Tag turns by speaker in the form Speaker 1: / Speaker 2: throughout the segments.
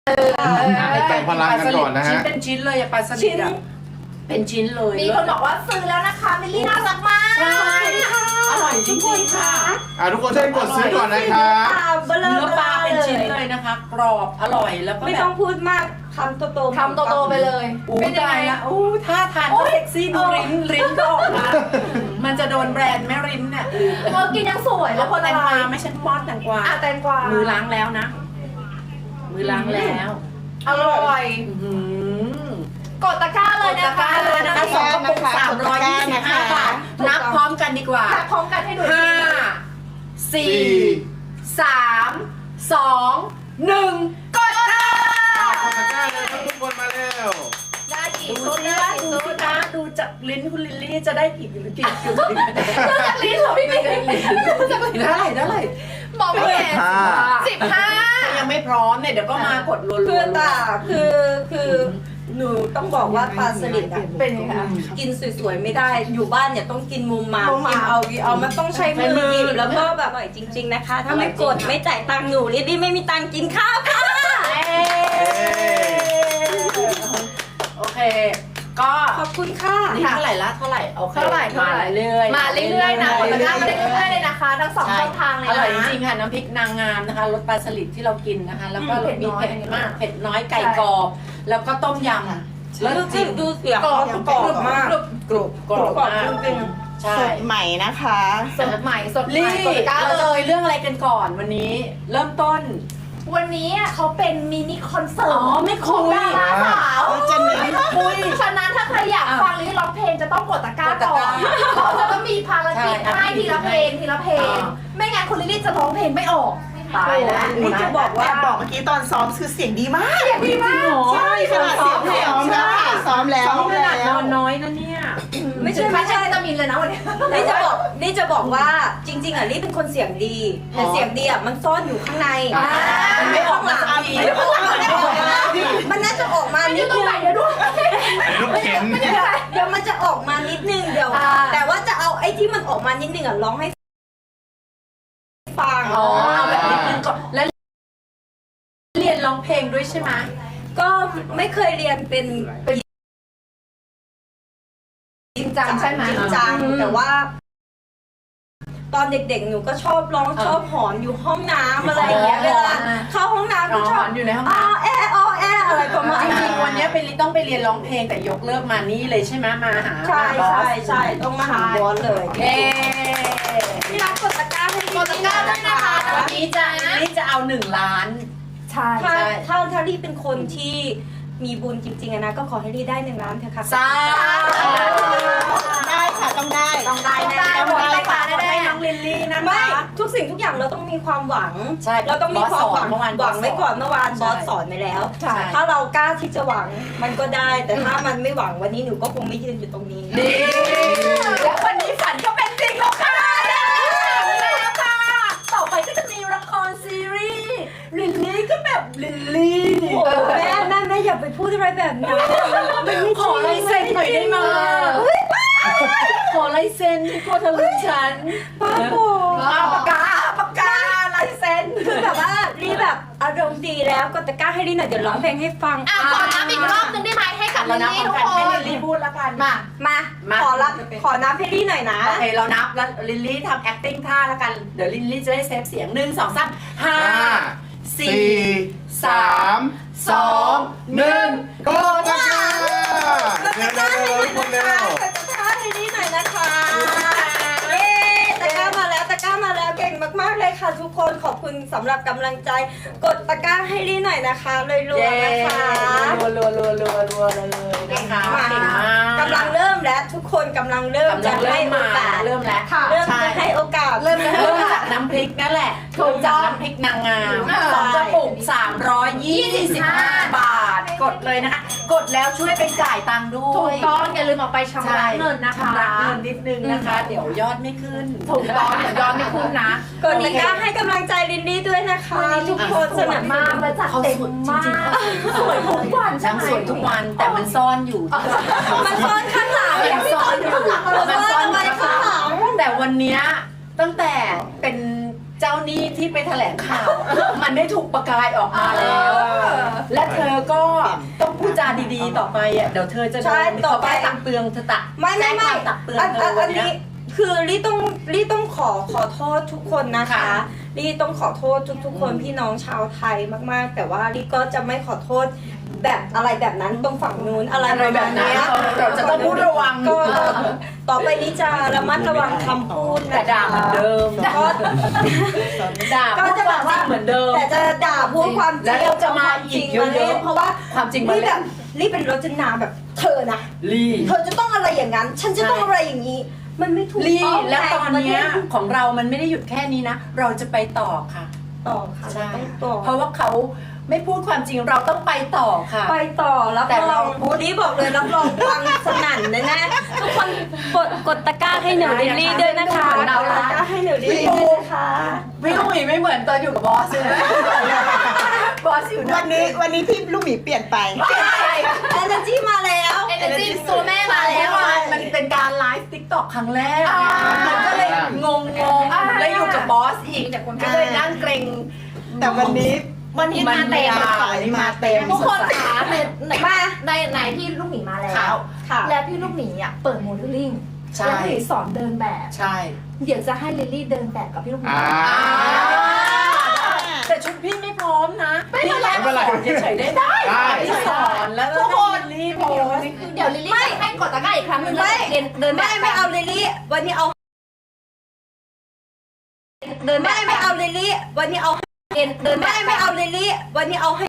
Speaker 1: แต่งพลังกันก่อนนะฮะ
Speaker 2: ชิ้นเป็นชิ้นเลยปลาสลิดอะเป็นชิ้นเลย
Speaker 3: มีคนบอกว่าซื้อแล้วนะคะมิลลี่น่ารักมาก
Speaker 2: ใช่อร่อยจริงๆค่ะ
Speaker 1: ทุกคนช่วยกดซื้อก่อนนะครับ
Speaker 2: เนื้อปลาเป็นชิ้นเลยนะคะ กรอบอร่อยแล้วก็
Speaker 4: ไม่
Speaker 2: แบ
Speaker 4: ต้อบ งพูดมากคำโตๆ
Speaker 3: คำโตๆไปเลย
Speaker 2: เป็นยังไงละท่าทานก็เซ็กซี่ดูริ้นก็ออกมามันจะโดนแบรนด์แม่ริ้นเนี่ย
Speaker 3: กินยังสวยแล้วคน
Speaker 2: แต
Speaker 3: อะ
Speaker 2: ง
Speaker 3: ไร
Speaker 2: กวาไม่ใช่ป้อนแตงกวา
Speaker 3: แตงกวา
Speaker 2: มือล้างแล้วนะ มือล้างแล้ว
Speaker 3: อร่อย กดตะกร้าเลยนะคะ
Speaker 2: นะคะสองกระปุก325 บาทนับพร้อมกันดีกว่า
Speaker 3: พร้อมกันให้ดู
Speaker 2: 5 4 3 2 1กดค่ะ
Speaker 1: กดตะกร้าเลยครับทุกคนมาเร็ว
Speaker 3: ได้กี่
Speaker 2: ดู
Speaker 3: ชุด
Speaker 2: สิ
Speaker 3: ได้
Speaker 2: คะ
Speaker 3: กี่
Speaker 2: ดู
Speaker 3: ชุ
Speaker 2: สิ
Speaker 3: ด
Speaker 2: คะดูจากลิ้นคุณลิลลี่จะได้กี่หรือกี่ชุด
Speaker 3: จากลิ้นเหรอพี่มิ้น
Speaker 2: เท่าไหร่
Speaker 3: มองไม่เห็น15
Speaker 2: ยังไม่พร้อมเนี่ยเดี๋ยวก็มากดรัวๆ
Speaker 4: คือแต่คือหนูต้องบอกว่าปลาสลิดอะ
Speaker 3: เป็นไงคะ
Speaker 4: กินสวยๆไม่ได้อยู่บ้านเนี่ยต้องกินมุมมามกินเอามันต้องใช้มือหยิบแล้วก็แบบอร่อยจริง ๆนะคะ ถ้าไม่กดไม่จ่ายตังค์หนูลิลลี่ไม่มีตังค์กินข้าวค่ะ
Speaker 2: โอเค ก็
Speaker 4: ขอบคุณค่ะ
Speaker 2: นี่เท่าไหร่ละเท่าไหร่โอเค
Speaker 3: เท่าไหร่
Speaker 2: มาเรื่อยๆ
Speaker 3: มาเรื่อยๆนะกดตะกร้ามาเรื่อยๆเลยนะคะ ทั้งสองช่องทางเลย
Speaker 2: อ
Speaker 3: นะ
Speaker 2: ร่อยจริงๆค่ะน้ำพริกนางงามนะคะรสปลาสลิดที่เรากินนะคะ แล้วก็รสมีเผ็ดมากเผ็ดน้อยไก่กรอบ แล้วก็ต้มยำแล้วจริง
Speaker 4: ดูเสียง
Speaker 3: กรอบ
Speaker 4: กรอบมาก
Speaker 2: กรุบกรอบมาก
Speaker 4: จริง
Speaker 2: ใช่
Speaker 5: สดใหม่นะคะ
Speaker 3: สดใหม่สดใหม่
Speaker 2: ลี่
Speaker 3: กดตะกร้า
Speaker 2: เรา
Speaker 3: เล
Speaker 2: จะ
Speaker 3: ย
Speaker 2: ไปเรื่องอะไรกันก่อนวันนี้ เริ่มต้น
Speaker 3: วันนี้เขาเป็นมินิคอนเสิร์ต
Speaker 2: ไม่คุย
Speaker 3: ดาราสาว
Speaker 5: จะเน้น
Speaker 3: คุยฉะนั้นถ้าใครอยากฟังลิลลี่ร้องเพลงจะต้องกดตะกร้าก่อนเขาจะต้องมีภารกิจให้ทีละเพลงทีละเพลง ไม่งั้นคุณลิลลี่จะร้องเพลงไม่ออก
Speaker 2: ตายแล้ว
Speaker 5: นี่จะบอกว่าบอกเมื่อกี้ตอนซ้อมคือเสียงดีมาก
Speaker 3: ดีมาก
Speaker 5: ใช่ขนาดเสียงซ้อมแล้วค่ะซ้อมแล้ว
Speaker 2: ขนาดนอนน้อยนะเนี่ย
Speaker 4: ไม่ใช่
Speaker 3: ไม่ใช่วิตามินเลยนะวันนี้
Speaker 4: นี่จะบอกว่าจริงๆอ่ะลี่เป็นคนเสียงดีแต่เสียงดีอ่ะมันซ่อนอยู่ข้างใน
Speaker 2: มันไม่ออกมาสักที
Speaker 4: มันน่าจะออกมา
Speaker 3: มันอ
Speaker 4: นิ
Speaker 3: ยู่
Speaker 4: ด
Speaker 3: ตรง
Speaker 4: นึง
Speaker 3: ไหนเดี๋ยวด้วย
Speaker 1: ลูกเข็น
Speaker 4: เดี๋ยวมันจะออกมานิดนึงเดี๋ยว แต่ว่าจะเอาไอ้ที่มันออกมานิดนึงอ่ะร้องให้ฟัง
Speaker 2: อ๋อเอาแบบนิดนึงก่อนแล้วเรียนร้องเพลงด้วยใช่ไหม
Speaker 4: ก็ไม่เคยเรียนเป็น
Speaker 3: จริงจังใช่ไหม
Speaker 4: จริงจังแต่ว่า ตอนเด็กๆหนูก็ชอบร้องชอบหอนอยู่ห้องน้ำอะไรอย่างเงี้ยเวลาเข้าห้องน้ำก็ชอบ
Speaker 2: อยู่ในห้อง
Speaker 4: อ้อ
Speaker 2: น้ำ
Speaker 4: แออ้อแออะไรประมาณ
Speaker 2: จ
Speaker 4: นี้
Speaker 2: ริงๆวันนี้ต้องไปเรียนร้องเพลงแต่ยกเลิกมานี่เลยใช่ไหมมาหา
Speaker 4: ใช่
Speaker 2: บอส
Speaker 4: ใช่ต้องมาหาบอสเลย
Speaker 2: เย้
Speaker 4: พี่รักกดตะกร้าให้
Speaker 3: กดตะกร้าด้วยนะคะ
Speaker 2: วันนี้จะเอา1 ล้าน
Speaker 3: ใช่
Speaker 4: ถ้าลี่เป็นคนที่มีบุญจริงๆอะนะก็ขอให้ลี่ได้1 ล้านเถอะค่ะ
Speaker 2: สา
Speaker 5: ได้ค่ะต้องได้
Speaker 2: ต้องได้แน่ๆหมดเลยค่ะได้น้องลิลลี่นะ
Speaker 4: ไม่
Speaker 2: คะ
Speaker 4: ทุกสิ่งทุกอย่างเราต้องมีความหวัง
Speaker 2: ใช่
Speaker 4: เราต้องมีความหวัง
Speaker 2: บอสสอนเมื่อวาน
Speaker 4: หวังไว้ก่อนเมื่อวาน
Speaker 2: ใช่
Speaker 4: บอสสอนไปแล้ว
Speaker 2: ใช่
Speaker 4: ถ้าเรากล้าที่จะหวังมันก็ได้ แต่ถ้ามันไม่หวังวันนี้หนูก็คงไม่ยืนอยู่ตรงนี้
Speaker 2: ดีแล้ววันนี้ฝันก็เป็นจริงแล้วค่ะแล้วค่ะ ต่อไปก็จะมีละครซีรีส์ลิลลี่ก็แบบลิลลี่
Speaker 4: แม่อย่าไปพูดอะไรแบบนั้น
Speaker 2: ขอลายเซ็นหน่อยได้ไหมขอลายเซ็นกลัวเธอลืมฉัน
Speaker 4: ป้าโบ
Speaker 2: ปากกาลายเซ็น
Speaker 4: คือแบบว่าลี่แบบอารมณ์ดีแล้วกดตะกร้าให้ลี่หน่อยเดี๋ยวร้องเพลงให้ฟัง
Speaker 3: ขอน้ำอีกรอบนึงได้ไหมให้กับลิ
Speaker 2: เรา
Speaker 3: ล
Speaker 2: นับ
Speaker 3: ลี่ทุก
Speaker 2: กัน
Speaker 3: ค
Speaker 2: ให้
Speaker 3: น
Speaker 2: ลิลลี่พูดแล้วกัน
Speaker 3: มา
Speaker 4: มาขอนับให้ลี่หน่อยนะ
Speaker 2: โอเคเรานับแล้วลิลลี่ทำ acting ท่าแล้วกันเดี๋ยวลิลลี่จะได้เซฟเสียง1 2 3 5 4 3 2 1
Speaker 1: กดตะกร้าเร็วๆทุกคนเร็ว
Speaker 4: กดตะกร้าให้ลี่หน่อยนะคะเย้ตะกร้ามาแล้วเก่งมากๆเลยค่ะทุกคนขอบคุณสำหรับกำลังใจกดตะกร้าให้ลี่หน่อยนะคะเลยรัวๆนะคะ
Speaker 2: รัวเลยนะคะ
Speaker 4: มา
Speaker 2: เก่งมาก
Speaker 4: กำลังเริ่มแล้วทุกคนกำลังเริ่มจะให้โอกาส
Speaker 2: เริ่มแล้ว
Speaker 4: เริ่มจะให้โอกาส
Speaker 2: เริ่มจากน้ำพริกนั่นแหละถูกจากน้ำพริกนางงาม2 กระปุก325 บาท กดเลยนะคะ กดแล้วช่วยไปจ่ายตังค์ด้
Speaker 3: ถู
Speaker 2: ว
Speaker 3: ก
Speaker 2: ย
Speaker 3: ต้องอย่าลืมออกไปชำระเงินนะคะ
Speaker 2: ชำระเงินนิดนึงนะคะ เดี๋ยวยอดไม่ขึ้น
Speaker 3: ถูกต้องเดี๋ยวยอดไม่ขึ้นนะ
Speaker 4: กดตะกร้าให้กำลังใจลินดี้ด้วยนะคะทุกคนสนับส
Speaker 3: มา
Speaker 4: นุ
Speaker 3: ก
Speaker 4: น
Speaker 3: มาจาก
Speaker 2: เขา
Speaker 3: เต็ม
Speaker 2: สวยจ
Speaker 3: มาก
Speaker 2: ริงๆ
Speaker 3: สวยทุกวันใช่
Speaker 2: นาง
Speaker 3: ไหม
Speaker 2: สวยทุกวันแต่มันซ่อนอยู่
Speaker 4: มันซ่อนข้างหลัง
Speaker 2: มันซ่อนอยู่
Speaker 4: มันซ่อนไว้ข้างหลัง
Speaker 2: แต่วันเนี้ยตั้งแต่เป็นเจ้าจ้าหนี้ที่ไปแถลงข่าว มันได้ถูกประกายออกมาแล้ว และเธอก็ต้องพูดจาดีๆต่อไปอ่ะเดี๋ยวเธอจะโด
Speaker 4: ใช่
Speaker 2: น
Speaker 4: ต่อ
Speaker 2: เขา
Speaker 4: ไป
Speaker 2: ไปตักเตือนเธอตัก
Speaker 4: ไม่
Speaker 2: แจ้งความตักเตือนเธอวัน
Speaker 4: อัน
Speaker 2: เนี้
Speaker 4: นี้
Speaker 2: ย
Speaker 4: คือลี่ต้องขอโทษทุกคนนะคะ
Speaker 2: ค่ะ
Speaker 4: ลี่ต้องขอโทษทุกคนพี่น้องชาวไทยมากๆ แต่ว่าลี่ก็จะไม่ขอโทษแบบอะไรแบบนั้นตรงฝั่งนู้นอะไร
Speaker 2: อะไรแบบนั้น
Speaker 4: เนี้ย
Speaker 2: เราจะต้องพูดระวัง
Speaker 4: ก็ต่อไปนี้จะระมัดระวังคำพูด
Speaker 2: แต่
Speaker 4: นะคะ
Speaker 2: ด่าเหมือนเดิม
Speaker 4: ก็
Speaker 2: ด่า
Speaker 4: ก็
Speaker 2: พูด
Speaker 4: จะ
Speaker 2: ค
Speaker 4: แบ
Speaker 2: วาม
Speaker 4: บ
Speaker 2: จ
Speaker 4: ว่า
Speaker 2: ริงเหมือนเดิม
Speaker 4: แต่จะด่าพูดความจริง
Speaker 2: แล้วจะมาอีกเยอะๆ
Speaker 4: าล่นเพราะว่า
Speaker 2: ความจริงมา
Speaker 4: ลี่
Speaker 2: เล่
Speaker 4: แบ
Speaker 2: น
Speaker 4: บลี่เป็นรจนาแบบเธอนะ
Speaker 2: ลี่
Speaker 4: เธอจะต้องอะไรอย่างนั้น ฉันจะต้องอะไรอย่างนี้ มันไม่ถูก
Speaker 2: ลี่
Speaker 4: ต้อง
Speaker 2: แล้วตอนเนี้ย
Speaker 4: ประเทศ
Speaker 2: ของเรามันไม่ได้หยุดแค่นี้นะ เราจะไปต่อค่ะ
Speaker 4: ต่อค่ะ
Speaker 2: ใช่
Speaker 4: ต้องต่อ
Speaker 2: เพราะว่าเขาไม่พูดความจริงเราต้องไปต่อค่ะ
Speaker 4: ไปต่อรับ
Speaker 2: แต่
Speaker 4: ร
Speaker 2: เรา
Speaker 4: องบูดี้บอกเลยรับรองฟังสนั่นแน่ๆทุกคนกดตะกร้าให้หนูดิลลี่ด้วยนะคะ
Speaker 2: เหมือนเรา
Speaker 4: กด
Speaker 2: นะ
Speaker 4: ตะกร้าให้หนูดิลลี่ด้วยนะคะ
Speaker 2: พี่ลูกหมีไม่เหมือนตอนอยู่กับบอสเลยบอสอยู่
Speaker 5: วันนี้พี่ลูกหมีเปลี่ยนไป
Speaker 4: เอเนอร์จีมาแล้ว
Speaker 3: เอเนอร์จีตัวแม่มาแล้ว
Speaker 2: มันเป็นการไลฟ์ติ๊กต็อกครั้งแรก
Speaker 3: อ่ามั
Speaker 2: มันก็เลยงงแล้วอยู่กับบอสอีกก็เลยนั่งเกรง
Speaker 5: แต่วันนี้
Speaker 3: วันนี้มาเต็ม
Speaker 5: มาเต็ม
Speaker 3: ทุกคนคะใน
Speaker 4: มา
Speaker 3: ในพี่ลูกหมีมาแล้
Speaker 2: ครั
Speaker 3: ว
Speaker 2: บ
Speaker 4: ค่ะ
Speaker 3: และพี่ลูกหมีอ่ะเปิดโมเดลลิ่ง
Speaker 2: ใช่
Speaker 3: แล้วพี่สอนเดินแบบ
Speaker 2: ใช่
Speaker 3: เดี๋ยวจะให้ลิลลี่เดินแบบกับพี่ลูกหมี
Speaker 2: แต่ชุดพี่ไม่พร้อมนะ
Speaker 3: ไม่เป็นไร
Speaker 2: พี่แค่สอนเฉยๆได้
Speaker 1: ได้
Speaker 2: พี่สอนแล้ว
Speaker 3: ทุกคน
Speaker 2: รีบโพส
Speaker 3: เดี๋ยวลิลลี่จะให้กดตะกร้าอีกครั้งหนึ่งแล้วเดินแบบ
Speaker 4: ไม่เอาลิลลี่วันนี้เอา
Speaker 3: เดินแบบ
Speaker 4: ไม่เอาลิลลี่วันนี้เอา
Speaker 3: เดินแบบ
Speaker 4: ไม่เอาลิลลี่วันนี้เอาให้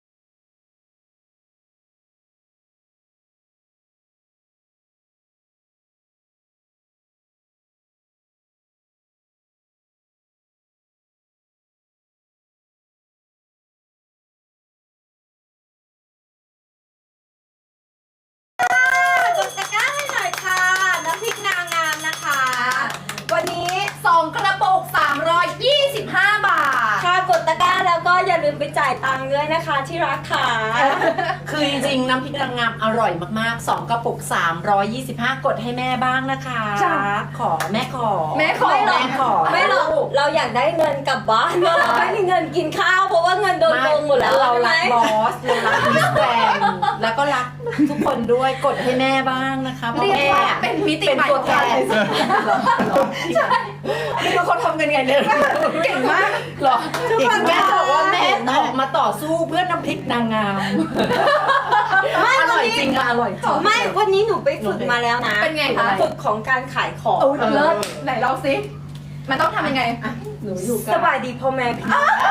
Speaker 4: กดตะกร้าให้หน่อยค่ะน้ำพริกนางงามนะคะ วันนี้
Speaker 3: 2 กระปุก 325 บาท
Speaker 4: ค่ะกดตะกร้าแล้วก็อย่าลืมไปจ่ายตังค์ด้วยนะคะที่รักค่ะ
Speaker 2: คือจริงๆน้ำพริกนางงามอร่อยมากๆ2กระปุก325กดให้แม่บ้างนะคะ
Speaker 3: จ้ะ
Speaker 2: ขอแม่ขอ
Speaker 3: แม่ขอ
Speaker 2: แม่ขอ
Speaker 4: ไม่หรอกเราอยากได้เงินกลับบ้านเราไม่มีเงินกินข้าวเพราะว่าเงินโดนโกงหมดแล้ว
Speaker 2: เรา
Speaker 4: ใช่ไหม
Speaker 2: รักบอสเรารักมิสแกรนด์แล้วก็รักทุกคนด้วยกดให้แม่บ้างนะคะเพราะ
Speaker 3: เรียก
Speaker 2: แม่
Speaker 3: ว่าเป็นมิติ
Speaker 2: เป็น
Speaker 3: ใหม่
Speaker 2: ตัว
Speaker 3: ของ
Speaker 2: แท
Speaker 3: การ
Speaker 2: นไม่รู้เขาทำกันไงเนี่ยเก่งมากเหรอแม่บอกว่าแม่ออกมาต่อสู้เพื่อน้ำพริกนางงามอร่อยจริงอะอร่อยจริง
Speaker 4: ไม่วันนี้หนูไปฝึกมาแล้วนะ
Speaker 3: เป็นไงคะ
Speaker 4: ฝึกของการขายของ
Speaker 3: โอ้ยเลิศไหนลองสิมันต้องทำยังไง
Speaker 2: หนูอยู่กั
Speaker 4: ส
Speaker 2: น
Speaker 4: บายดีพ่อแม่พี่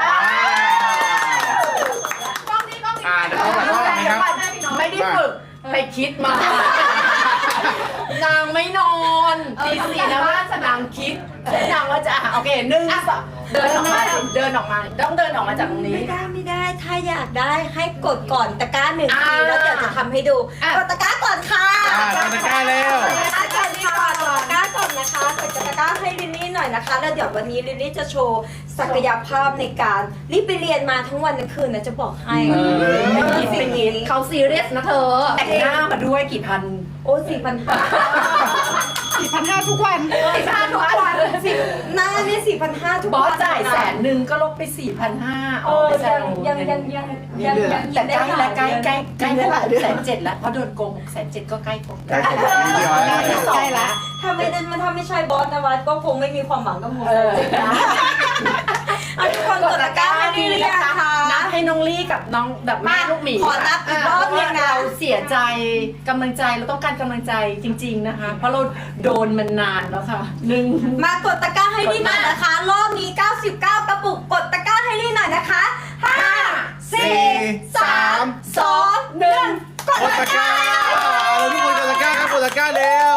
Speaker 3: กล้องนี้กล้องนี้
Speaker 1: เดี๋ยวเอาแบบว่าอย่างนี้ครับ
Speaker 2: ไม่ได้ฝึกไปคิดมา นางไม่นอนตีสี่นะว่านางคิดนางว่าจะโอเค1 2เดินออกมาต้องเดินออกมาจากตรงนี้
Speaker 4: ไม่ได้ถ้าอยากได้ให้กดก่อนตะกร้า1
Speaker 2: อ่า
Speaker 4: ทีแล้วเดี๋ยวจะทำให้ดูกดตะกร้าก่อนค่ะ
Speaker 1: กดตะกร้าเร็ว
Speaker 4: กดตะกร้าก่อนค่ะกดตะกร้าก่อนนะคะกดตะกร้าให้ลิลลี่หน่อยนะคะแล้วเดี๋ยววันนี้ลิลลี่จะโชว์ศักยภาพในการรีบไปเรียนมาทั้งวันทั้งคืนนะจะบอกให้
Speaker 2: ไม่คิดไม่คิด
Speaker 3: เขาซีเรียสนะเธอ
Speaker 2: แต่งหน้ามาด้วยกี่พัน
Speaker 4: โอ้4,500
Speaker 5: 4,500ทุกวัน
Speaker 3: ทุกวัน
Speaker 4: หน้านี่4,500ทุก
Speaker 2: บ
Speaker 4: วัน
Speaker 2: อสจ่าย100,000ก็ลบไป 4,500
Speaker 4: เออยัง
Speaker 2: แต่ใกล้แล้วใกล้
Speaker 5: ได้หลายเดือน
Speaker 2: 6,700,000แล้วเพราะโดนโกง6,700,000ก็ใกล้ผม
Speaker 1: ใกล้ผมนิดเดียวแล้ว
Speaker 2: ใกล้ละ
Speaker 4: ถ้าไม่ใช่บอสนวัดก็คงไม่มีความหวังกับหมูจริงนะเอาทุกคนกดตะกร้าให้ดีเลยนะคะ
Speaker 2: นับให้น้องลี่กับน้องแบบแม่ลูกหมี
Speaker 4: ขอนับอีกรอบนึงนะ
Speaker 2: เราเสียใจกำลังใจเราต้องการกำลังใจจริง ๆนะคะ เพราะเราโดนมันนานแล้วค่ะ
Speaker 4: มากดตะกร้าให้ดีหน่อยนะคะ รอบนี้99กระปุกกดตะกร้าให้ดีหน่อยนะคะ5 4 3 2 1กด
Speaker 1: กดตะกร้าทุกคนกดตะกร้าครับกดตะกร้าเร็ว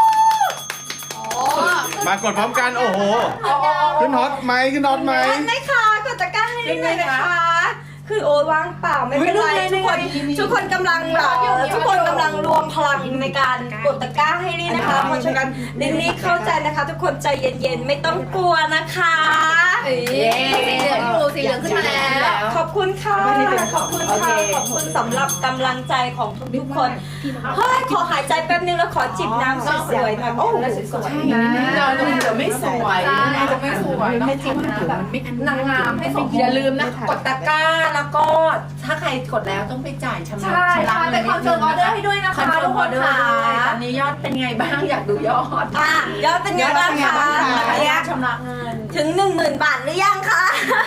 Speaker 1: มากดพร้อมกันโอ้โห ขึ้นฮอตไหมขึ้นฮอตไหม
Speaker 4: ทันไหมคะกดตะกร้าให้ดีหน่อยนะคะ คือโอ้ยว่างเปล่าไม่เป็นไรทุกคนกำลังทุกคนกำลังรวมพลังในการกดตะกร้าให้ดีนะคะเพราะฉะนั้นลิลลี่เข้าใจนะคะ ทุกคนใจเย็นๆไม่ต้องกลัวนะคะ
Speaker 3: สีเหลืองอยู่สีเหลืองขึ้นมาแล้ว
Speaker 4: ขอบคุณค่ะ ขอบคุณค่ะ ขอบคุณสำหรับกำลังใจของทุกๆคน เฮ้ย ขอหายใจแป๊บนึงแล้วขอจิบน้ำสวยๆหน่อยโอ้โห
Speaker 2: สวยๆนะเราจะไม่สวย
Speaker 3: จะไม่สวย
Speaker 2: ไม่จริงนะแบบนางงามให้สม
Speaker 5: อย่าลืม
Speaker 2: นะกดตะกร้าแล้วก็ถ้าใครกดแล้วต้องไปจ่ายชำระ
Speaker 3: ใช่ใช่เป็นคอนเฟิร์มออเดอร์ให้ด้วยนะ
Speaker 2: คอน
Speaker 3: คะ
Speaker 2: เฟิร์
Speaker 3: ทุ
Speaker 2: ม
Speaker 3: ก
Speaker 2: อ
Speaker 3: ค
Speaker 2: อน เดอร์
Speaker 3: ค่ะ
Speaker 2: ด้วยตอนนี้ยอดเป็นไงบ้างอยากดูยอด
Speaker 4: อ่ะยอดเป็นไงบ้างคะ
Speaker 2: ชำระเงิน
Speaker 4: ถึง 10,000 บาทหรือยังคะ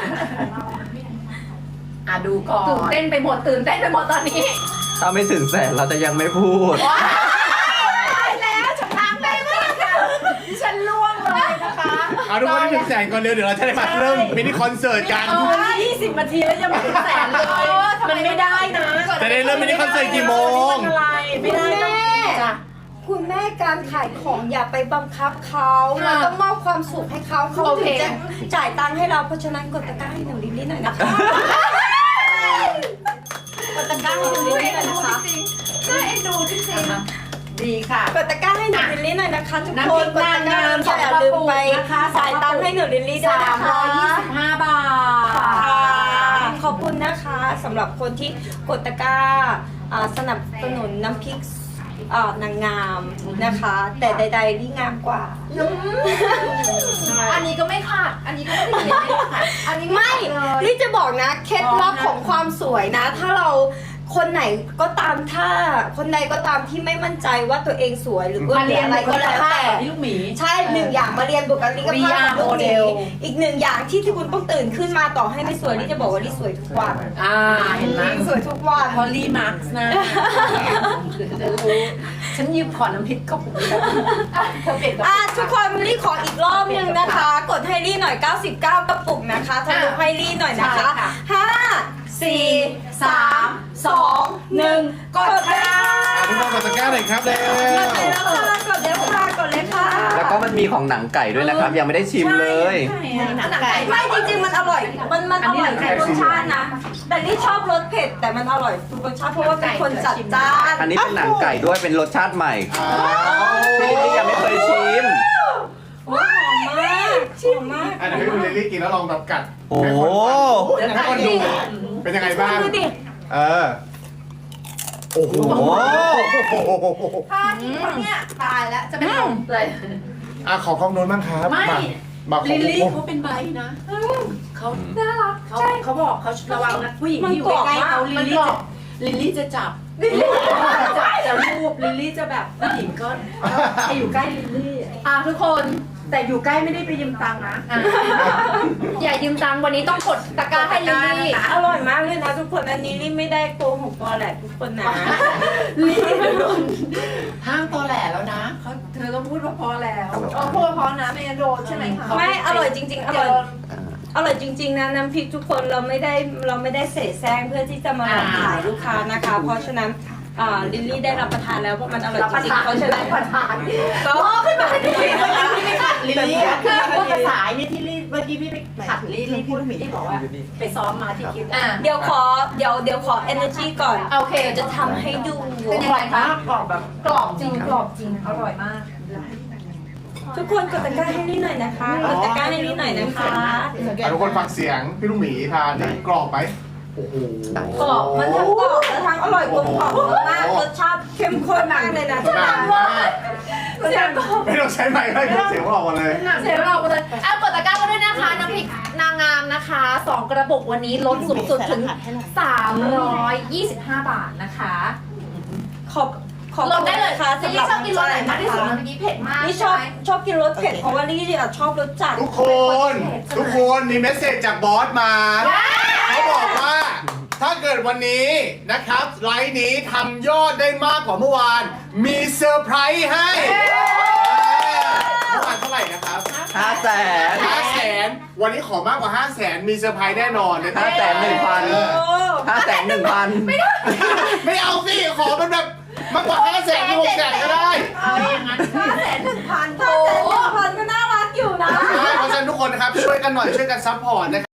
Speaker 2: ดูก่อน
Speaker 3: ตื่นเต้นไปหมดตื่นเต้นไปหมดตอนนี้
Speaker 1: ถ้าไม่ถึงแสนเราจะยังไม่พูด
Speaker 3: แล้วฉันทำได้มากค่ะ
Speaker 2: ฉันล่วงเลยนะคะ
Speaker 6: เอาทุกคนให้ถึงแสนก่อนเร็วเดี๋ยวเราจะได้มาเริ่มมินิคอนเสิร์ตกัน
Speaker 2: 20 นาทีแล้วยังไม่ถึงแสนเลย มันไม่ได้นะ
Speaker 6: จะได้เริ่มมินิคอนเสิร์ตกี่โมง
Speaker 2: อะไรไม่ได้นะจ้ะ
Speaker 4: คุณแม่การขายของอย่าไปบังคับเขาเราต้องมอบความสุขให้เขาเขาถึงจะจ่ายตังค์ให้เราเพราะฉะนั้นกดตะกร้าให้หนูนิดๆหน่อยนะคะกดตะกร้าให้หนูนิดๆหน่อยนะคะ
Speaker 3: น่าเอ็นดูจริง
Speaker 2: ดีค่ะ
Speaker 4: กดตะกร้าให้หนูลิลลี่หน่อยนะคะทุก
Speaker 2: น้ำ
Speaker 4: ค
Speaker 2: พริ
Speaker 4: น
Speaker 2: ก
Speaker 4: กดตะกร้า
Speaker 2: น้ำ
Speaker 4: อย่าลืมไป
Speaker 2: นะคะ
Speaker 4: จ่ายตังค์ให้หนูลิลลี่ด้วยนะคะ
Speaker 2: 325 บาท
Speaker 4: ค่ะขอบคุณนะคะสำหรับคนที่กดตะกร้าสนับสนุนน้ำพริกนางงามนะคะ แต่ใดๆที่งามกว่า
Speaker 3: ๆอันนี้ก็ไม่ขาดอันนี้ก็ไม่ได้ขาดอันนี้
Speaker 4: ไม่
Speaker 3: เลย
Speaker 4: นี่จะบอกนะเคล็ดลับของความสวยนะ ถ้าเราคนไหนก็ตามถ้าคนใดก็ตามที่ไม่มั่นใจว่าตัวเองสวยหรืออ้วน
Speaker 2: มา
Speaker 4: หรื
Speaker 2: เรี
Speaker 4: อย
Speaker 2: น
Speaker 4: อะไรก็แล้วแต่
Speaker 2: พี่ลูกหมี
Speaker 4: ใช่หนึ่งอย่างมาเรียนบุคลิกภาพของลูกหมี
Speaker 2: VR
Speaker 4: อีกหนึ่งอย่างที่คุณต้องตื่นขึ้นมาต่อให้ไม่สวยนี่จะบอกว่านี่สวยทุกวัน
Speaker 2: เห็นไหม
Speaker 4: สวยทุกวัน
Speaker 2: พอลลี่มาร์กนะฉันยืมขอน้ำพริกก็ผมเธอเปลี่ยนกับ
Speaker 4: ทุกคนลี่ขออีกรอบหนึงนะคะ กดให้ลี่หน่อย 99 กระปุกนะคะทะลุให้ลี่หน่อยนะคะ 5 4 3 2 1 กดค่ะ
Speaker 6: ทุกคนกดตะกร้าหน่อยครับเร็ว
Speaker 4: กดเลยค่ะกดเลยค่ะกดเลยค่ะ
Speaker 1: แล้วก็มันมีของหนังไก่ด้วยนะครับ ยังไม่ได้ชิมเลย
Speaker 2: หนังไก่
Speaker 4: ไม่จริงๆมันอร่อย มันอร่อยทุกรสชาตินะ แต่ลี่ชอบรสเผ็ดแต่มันอร่อยทุกรสชาติเพราะว่าเป็นคนจัดจ้าน
Speaker 1: อันนี้เป็นหนังไก่ด้วยเป็นรสชาติใหม่ที่ลิลลี่ยังไม่เคยชิม
Speaker 4: หอมมากหอมมาก
Speaker 6: อ่ะเดี๋ยวให้คุณเลลี่กินแล้วลองแบบกัด
Speaker 1: โอ้โห
Speaker 6: ให้คนดูเป็นยังไงบ้าง
Speaker 4: ดูดิ
Speaker 6: เออ โอ้โห
Speaker 3: ถ้ากินคนเนี่ยตายแล้วจะเป็นลมเลย
Speaker 6: อ่ะขอกล้องโน้นบ้างครับ
Speaker 2: ไม่
Speaker 6: มาขอ
Speaker 2: ลิลลี่
Speaker 6: ผม
Speaker 2: เขาเป็นใบนะเขา
Speaker 3: น่ารัก
Speaker 2: เขาบอกเขาระวังนะผู้หญิงที่อยู่ใกล้ๆเขาลิลลี่จะจับจะรูปลิลลี่จะแบบผู้หญิงก็จะอยู่ใกล้ลิลลี่
Speaker 3: ทุกคน
Speaker 2: แต่อยู่ใกล้ไม่ได้ไปยืมตังค์นะ
Speaker 3: อย่ายืมตังค์วันนี้ต้องกดตะกร้าให้ลิลลี่
Speaker 4: อร่อยมากเลยนะทุกคนอันนี้ลี่ไม่ได้โกหกตัวแหละทุกคนนะ
Speaker 2: ลิลลี่โดนห้ามตอแหลแล้วนะเธอต้องพูดว่าพอแล้ว
Speaker 3: พูดเพราะนะไม่งั้นโดนใช่ไหมคะ
Speaker 4: ไม่อร่อยจริงๆ อร่อยจริงๆนะน้ำพริกทุกคนเราไม่ได้เสแสร้งเพื่อที่จะมาหลอกขายลูกค้านะคะ เพราะฉะนั้นลิลลี่ได้รับประทานแล้วเพราะมันอร่อยจริงๆเพราะฉะนั้น
Speaker 2: ประทาน
Speaker 4: ก็ขึ้นมาให้ดูนะคะ
Speaker 2: ลิลลี่คือพูดภาษานี่ที่ลี่เมื่อกี้พี่ไปขัดลิลลี่พูดพี่บอกว่าไปซ้อมมาที่คลิป
Speaker 4: เดี๋ยวขอ energy ก่อน
Speaker 3: โอเค
Speaker 4: จะทำให้ดู
Speaker 3: เป็นยังไงคะ
Speaker 2: กรอบแบบ
Speaker 3: กรอบจริงกรอบจริงอร่อยมาก
Speaker 4: ทุกคนกดตะกร้าให้ลี่หน่อยนะคะกดตะกร้าให้ลี่หน่อยนะคะ
Speaker 6: อ่ะทุกคนฟังเสียงพี่ลูกหมีทานนี่กรอบไหมโอ้โห
Speaker 4: กรอบมันทั้งกรอบและทั้งอร่อยกลมกล่อมมากรสชาติเข้มข้นมากเลยนะ
Speaker 6: นานมาก
Speaker 3: เสียงกรอบ
Speaker 6: ไม่ต้องใช้ไมค์ให้เสียงออกมาเลย
Speaker 3: เสียงเราเลยกดตะกร้าก็ด้วยนะคะน้ำพริกนางงามนะคะ2กระปุกวันนี้ลดสูงสุดถึง325 บาทนะคะ
Speaker 4: ขอบ
Speaker 3: ลดได้เลย
Speaker 4: ค่ะ
Speaker 3: จะ
Speaker 4: สำห
Speaker 3: ยิ่
Speaker 4: รับ
Speaker 3: ชอบกินรสไหนมากที่สุดเมื่อกี้เผ็ดมาก
Speaker 4: นี่ชอบกินรสเผ็ดเพราะว่าลี่ชอบรสจัด
Speaker 6: ทุกคนมีเมสเซจจากบอสมาเขาบอกว่าถ้าเกิดวันนี้นะครับไลฟ์นี้ทำยอดได้มากกว่าเมื่อวาน มีเซอร์ไพรส์ให้เมื่อวานเท่าไหร่นะครับ
Speaker 1: 500,000
Speaker 6: 500,000 วันนี้ขอมากกว่า 500,000 มีเซอร์ไพรส์แน่นอนนะครั
Speaker 1: 500,000 500,000
Speaker 6: ไม่เอาสิ ขอมันแบบมากกว่า 500,000 หรือ 600,000 ก็ได้
Speaker 2: เอาอย่างนั้น
Speaker 4: 500,000 ก็น่ารักอยู่นะ
Speaker 6: เพราะฉะนั้นทุกคนนะครับช่วยกันหน่อยช่วยกันซัพพอร์ตนะครับ